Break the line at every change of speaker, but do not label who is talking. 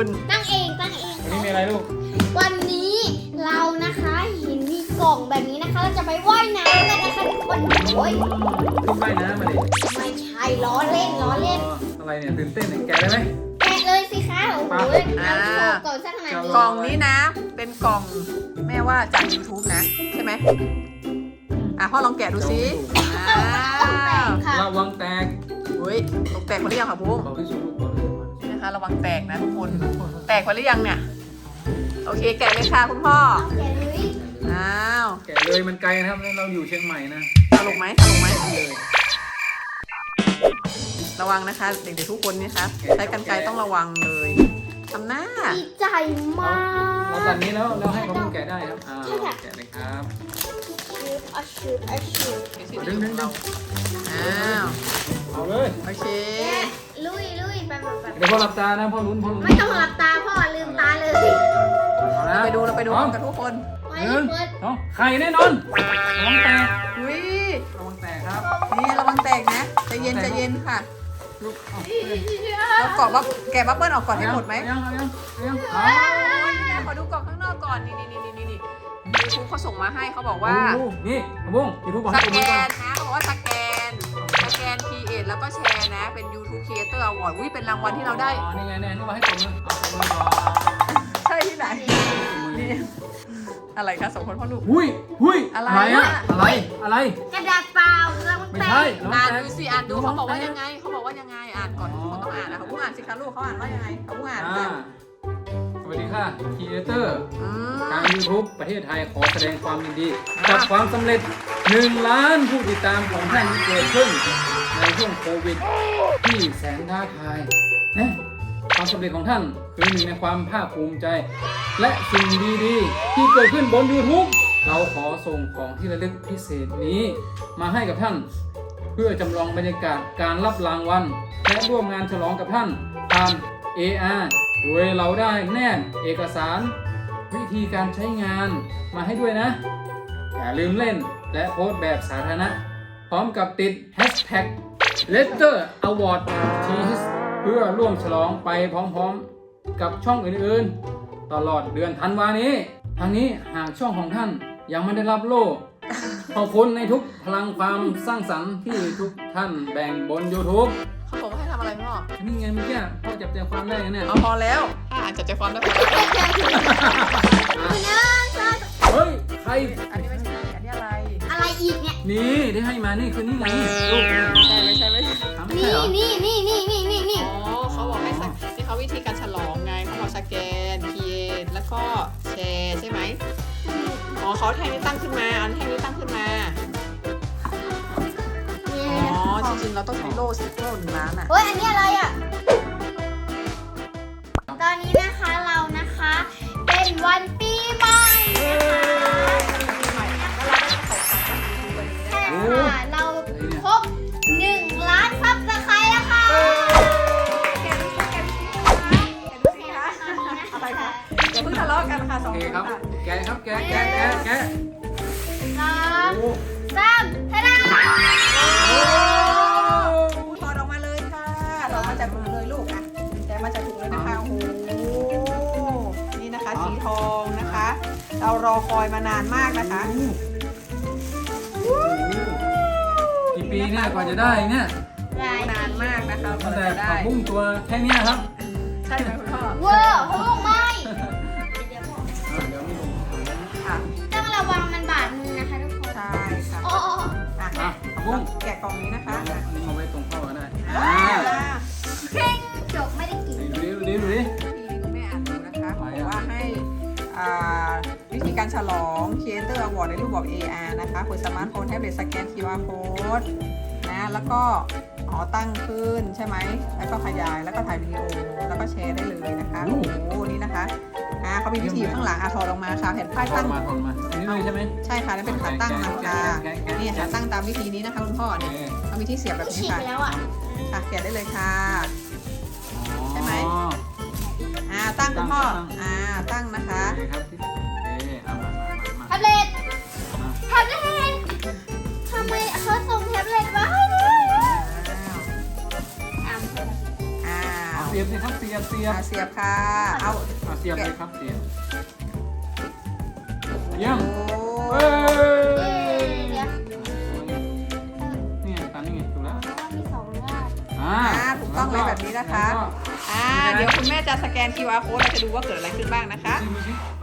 คุณ
ตั้งเอง
วันนี้มีอะไรลูก
วันนี้เรานะคะเห็นมีกล่องแบบนี้นะคะเราจะไปว่ายน้ำกันนะคะทุกคนโอ้ย
ขึ้นว่ายน้ำมาดิ
ไม่ใช่ล้อเล่น
อะไรเนี่ยตื่นเต้นเนี่ยแกะได้ไหม
แกะเลยสิคะโอ้โหเอาโชว์ก่อนสักขนาดนี้
กล่องนี้นะ เป็นกล่องแม่ว่าจาก YouTube นะใช่ไหมพ่อลองแกะดูสิ
ค่ะ
ระวังแตก
อุ้ยตกแตกหมดหรือยังคะพุง
บอกที่สุดลูกบอกเลย
นะคะระวังแตกนะทุกคนแตกหมดหรือยังเนี่ยโอเคแกะเลยค่ะคุณพ่อ
เอาแกะเลย
อ้าว
แกะเลยมันไกลนะครับเราอยู่เชียงใหม่นะ
ตลกไหม
เลย
ระวังนะคะเด็กๆทุกคนนี่คะใช้กรรไกรต้องระวังเลยทำหน้า
ดีใจมาก
เราตัดนี้แล้วให้เขาแกะได้ครับแกะเลยครับ
ชืบ
ดึงเราอ้าว
เอาเลย
โอเค
ลุยไป
เดี๋ยวพ่อหลับตานะพ่อลุ้น
ไม่ต้องหลับตาพ่อลืมตาเลย
เอานะ
เราไปดูกันทุกคน
ไว้
หนึ่ง
เปิด
สองไข่แน่นอนระวังแตก
อุ้ย
ระวังแตกครับ
นี่ระวังแตกนะใจเย็นค่ะ
ลูกเอา
เรากรอบว่าแกะบับเบิ้ลออกก่อนให้หมดไหม
ยัง
โอ้ยนี่นะขอดูกล่องข้างนอกก่อนนี่ยูทูบเขาส่งมาให้เขาบอกว่า
นี่บุ้งยูทูบบอก
ส
ให้ตัว
แก
นี้ก่อน
นนะเขาบอกว่าสแกนCreate แล้วก็แชร์นะเป็น YouTube Creator Award อุ้ยเป็นรางวัลที่เราได้
นี่ไงนี่ว่าให้ตัวมือเอาตัวมือก่อน
ใช่ที่ไหนนี่อะไรคะสองคนพ่อลูก
อะไรอะอะไร
กระดาษเปล่าแล้วมัน
ไม่
แต
ใช่
ก
อ่านดูสิอ่านดูเขาบอกว่ายังไงอ่านก่อนทุกคนต้องอ่านนะเขาพูดอ่านสิคะลูกเขาอ่านว่ายังไงเขาพูดอ่านกัน
สวัสดีค่ะครีเอเตอร์
อืม
ทาง YouTube ประเทศไทยขอแสดงความยินดีกับความสำเร็จ1 ล้านผู้ติดตามของท่านที่เกิดขึ้นในช่วงโควิดที่แสนท้าทายนะความสำเร็จของท่านคือหนึ่งในความภาคภูมิใจ และสิ่งดีๆที่เกิดขึ้นบน YouTube เราขอส่งของที่ระลึกพิเศษนี้มาให้กับท่าน เพื่อจำลองบรรยากาศการรับรางวัลและร่วมงานฉลองกับท่านผ่าน AR โดยเราได้แนบเอกสารวิธีการใช้งานมาให้ด้วยนะอย่าลืมเล่นและโพสต์แบบสาธารณะพร้อมกับติด Hashtag Letter Award Cheese เพื่อร่วมฉลองไปพร้อมๆกับช่องอื่นๆ ตลอดเดือนธันวานี้ทางนี้หากช่องของท่านยังไม่ได้รับโล่ขอบคุณในทุกพลังความสร้างสรรค์ที่ทุกท่านแบ่งบน YouTube
เขาบอกว่าให้ทำอะไรพ่อ
นี่ไงเมื่อกี้พ่อจับใจความได้เนี่ย
เอาพอแล้วถ้าอ่านจับใจความได้พอแล้ว
เฮ้ยใคร
อันนี้ไม่ใช่อันนี้อะไร
อะไรอีกเนี่ย
นี่ได้ให้มานี่คือนี่ไงลูก
ไม่ใช่
ทำไม่ใช่เหรอ
นี่
อ๋อเขาบอกให้ที่เขาวิธีการฉลองไงเขาบอกสแกน Create แล้วก็แชร์ใช่ไหมอ๋อเขาแท่งนี้ตั้งขึ้นมาเอาแท่งนี้ตั้งขึ้นมาอ๋อจริงๆเราต้องใช้โล่1 ล้านอ่ะ
เฮ้ยอันนี้อะไรอ่ะตอนนี้นะคะเรานะคะเป็นวันปีใหม่ใช่ค่ะเราครบ1 ล้านซับสไครต์แล้วค่ะ
อะไรคะอย่าเพิ่งทะเลาะกันค่ะส
โอ
อง
เค
คน
ครับ
ค่ะ
แกะครับแกะ
3
โอ้
ทะดา
ถอดออกมาเลยค่ะถอดมาจากมือเลยลูกอ่ะแต่มาจากถุงเลยนะคะโอ้โหนี่นะคะสีทองนะคะ เรารอคอยมานานมากนะคะ
กี่ปีเนี่ยกว่าจะได้เนี่ย
นานมากนะคะ
ตั้งแต่
จะได้
ผักบุ้งตัวแค่เนี้ยครับ
ใช่ไหมคุณพ่อ
เวอร์โอ้ไม่
เดี๋ยวไม่ลง
ค่ะ
ต้องระวังมันบาดมือนะคะทุกคน
ใช่ค่ะ
โอ้
อ่ะ
ผักบุ้ง
แกะกล่องนี้นะคะ
อันนี้มาไว้ตรงพ่อก็ได้
เพ่งจบไม่ได้กิน
ดูดิ
ที่คุณแม่อ่านดูนะคะบอกว่าให้วิธีการฉลอง Creator Award ในรูปแบบ AR นะคะเปิดสมาร์ทโฟนแท็บเล็ตสแกน QR Code นะแล้วก็ตั้งขึ้นใช่ไหมแล้วก็ขยายแล้วก็ถ่ายวิดีโอแล้วก็แชร์ได้เลยนะคะโอ้โหนี่นะคะเขามีวิธีอยู่ข้างหลังถอดออกมาค่ะแผ่นป้ายตั้ง
มาอันนี้เลยใช่ไหม
ใช่ค่ะนั่นเป็นขาตั้งมันค่ะนี่ค่ะตั้งตามวิธีนี้นะคะคุณพ่อเนี่ยเขามีที่เสียบแบบ
ฉี
นี้
ก
ค่ะ
ไปแล้วอ่ะ
ค่ะแกะได้เลยค่ะ ใช่ไหม
อ๋อ
ตั้งคุณพ่อตั้งนะคะ
โอเคครับเอามา
แท็บเล็ตทำไมเขาส่งแท็บเล็ตมาให้ด้วย
อ้าว
เสียบสิครับเสียบบเสียบ
เสียบค่ะ เอา
เสียบเลยครับเสียบเยี่ยม
โอ้
เอ้ย
เดี๋ยว
นี่ตอนนี้ไงถูกแล้ว
มีสองรอบ
ถูกต้องเลยแบบนี้นะคะ
แล้วก็
เดี๋ยวคุณแม่จะสแกน QR code เราจะดูว่าเกิดอะไรขึ้นบ้างนะคะ
ดูสิ